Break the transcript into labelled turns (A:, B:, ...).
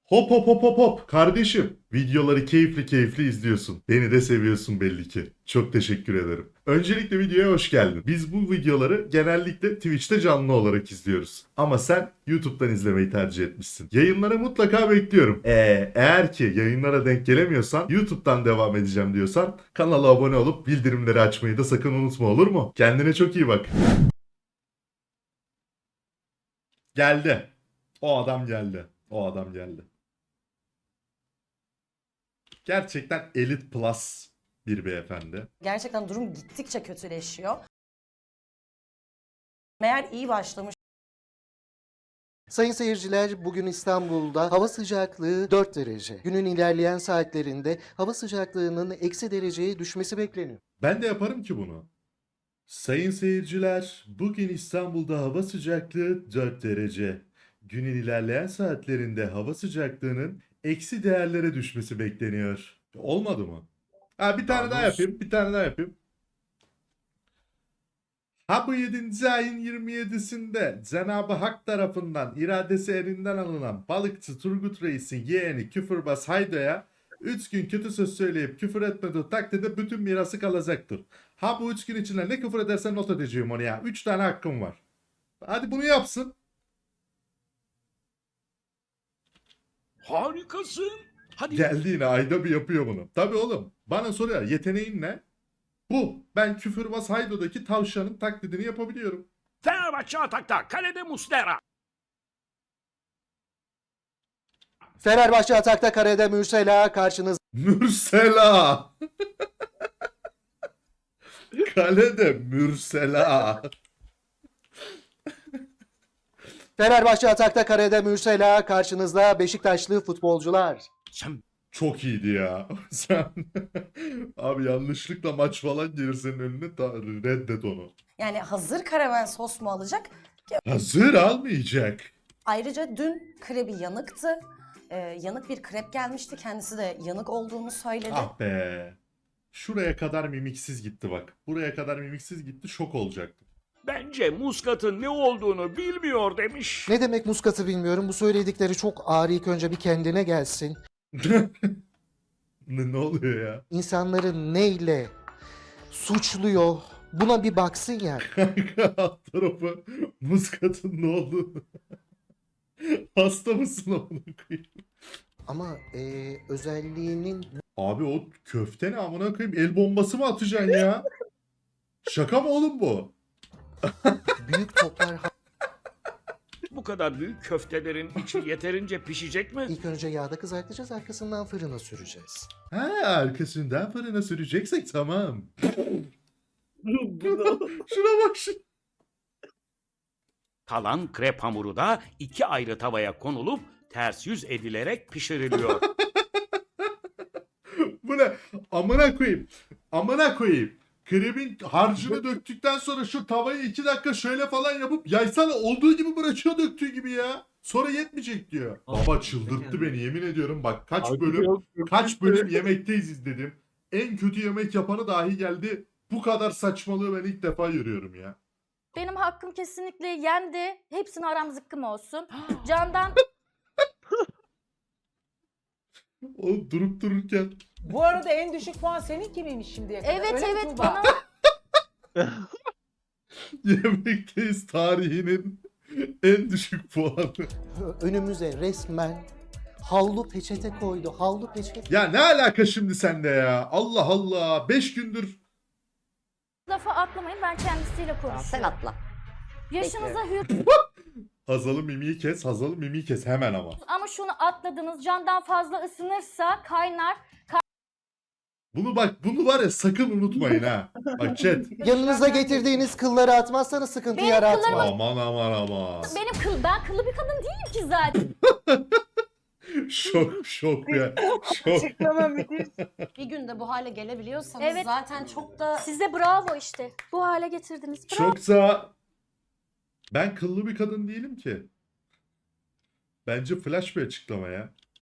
A: Hop hop hop hop hop kardeşim. Videoları keyifli keyifli izliyorsun. Beni de seviyorsun belli ki. Çok teşekkür ederim. Öncelikle videoya hoş geldin. Biz bu videoları genellikle Twitch'te canlı olarak izliyoruz. Ama sen YouTube'dan izlemeyi tercih etmişsin. Yayınlara mutlaka bekliyorum. Eğer ki yayınlara denk gelemiyorsan YouTube'dan devam edeceğim diyorsan kanala abone olup bildirimleri açmayı da sakın unutma, olur mu? Kendine çok iyi bak. Geldi. O adam geldi. O adam geldi. Gerçekten elit plus bir beyefendi.
B: Gerçekten durum gittikçe kötüleşiyor. Meğer iyi başlamış.
C: Sayın seyirciler, bugün İstanbul'da hava sıcaklığı 4 derece. Günün ilerleyen saatlerinde hava sıcaklığının eksi dereceye düşmesi bekleniyor.
A: Ben de yaparım ki bunu. Sayın seyirciler, bugün İstanbul'da hava sıcaklığı 4 derece. Günün ilerleyen saatlerinde hava sıcaklığının eksi değerlere düşmesi bekleniyor. Olmadı mı? Ha, bir tane daha yapayım, bir tane daha yapayım. Ha, bu 7. ayın 27'sinde Cenab-ı Hak tarafından iradesi elinden alınan balıkçı Turgut Reis'in yeğeni Küfürbaz Haydo'ya 3 gün kötü söz söyleyip küfür etmediği takdirde bütün mirası kalacaktır. Ha, bu 3 gün içinde ne küfür edersen not edeceğim onu ya. 3 tane hakkım var. Hadi bunu yapsın.
D: Harikasın. Hadi
A: Geldi yine, ayda bir yapıyor bunu. Tabii oğlum. Bana soruyor, yeteneğin ne? Bu. Ben Küfürbaz Haydo'daki tavşanın taklidini yapabiliyorum.
D: Fenerbahçe atakta. Kalede Muslera.
C: Fenerbahçe atakta, karede Mürsela karşınızda.
A: Mürsela. Kalede Mürsela.
C: Fenerbahçe atakta, karede Mürsela karşınızda Beşiktaşlı futbolcular.
D: Sen
A: Çok iyiydi ya. Sen abi yanlışlıkla maç falan gelir senin önüne, reddet onu.
B: Yani hazır karamen sos mu alacak?
A: Hazır almayacak.
B: Ayrıca dün krebi yanıktı. Yanık bir krep gelmişti. Kendisi de yanık olduğunu söyledi.
A: Ah be. Şuraya kadar mimiksiz gitti bak. Buraya kadar mimiksiz gitti, şok olacaktım.
D: bence muskatın ne olduğunu bilmiyor demiş.
C: Ne demek muskatı bilmiyorum. Bu söyledikleri çok ağır. İlk önce bir kendine gelsin.
A: Ne oluyor ya?
C: İnsanları neyle suçluyor? Buna bir baksın yani.
A: Kanka, alt tarafı muskatın ne oldu? Hasta mısın amına koyayım?
C: Ama özelliğinin
A: Abi o köfte ne amına koyayım? El bombası mı atacaksın ya? Şaka mı oğlum bu?
C: büyük toplar.
D: Bu kadar büyük köftelerin içi yeterince pişecek mi?
C: İlk önce yağda kızartacağız, arkasından fırına süreceğiz.
A: Ha, arkasından fırına süreceksek tamam. Şuna bak şu.
D: Kalan krep hamuru da 2 ayrı tavaya konulup ters yüz edilerek pişiriliyor.
A: Bu ne? Amına koyayım. Amına koyayım. Krebin harcını döktükten sonra şu tavayı 2 dakika şöyle falan yapıp yaysana, olduğu gibi bırakıyor döktüğü gibi ya. Sonra yetmeyecek diyor. Baba çıldırttı beni, yemin ediyorum. Bak kaç bölüm yemekteyiz izledim. En kötü yemek yapanı dahi geldi. Bu kadar saçmalığı ben ilk defa görüyorum ya.
E: Benim hakkım kesinlikle yendi. Hepsine aram zıkkım olsun. Candan
A: O durup dururken
F: Bu arada en düşük puan seninki miymiş şimdiye kadar?
E: evet
F: Öyle mi
E: evet
F: Tuğba?
E: bana
A: yemekteyiz tarihinin en düşük puanı.
C: Önümüze resmen havlu peçete koydu. Havlu peçete.
A: Ya ne alaka şimdi sende ya? Allah Allah. 5 gündür.
E: lafa atlamayın, ben kendisiyle konuşuyorum.
B: Sen atla.
E: Yaşınıza hür
A: Hazal'ın mimiği kes. Hazal'ın mimiği kes hemen ama.
E: ama şunu atladınız. Candan fazla ısınırsa kaynar.
A: Bunu var ya, sakın unutmayın ha. Bak chat.
C: Yanınıza getirdiğiniz kılları atmazsanız sıkıntı
E: Benim
C: yaratma.
A: Aman aman aman.
E: Ben kıllı bir kadın değilim ki zaten.
A: Şok ya. Şok.
F: Açıklama müthiş.
B: Bir günde bu hale gelebiliyorsanız
E: Evet.
B: zaten çok da
E: Size bravo işte. Bu hale getirdiniz. Bravo.
A: Çoksa ben kıllı bir kadın değilim ki. Bence flash bir açıklama ya.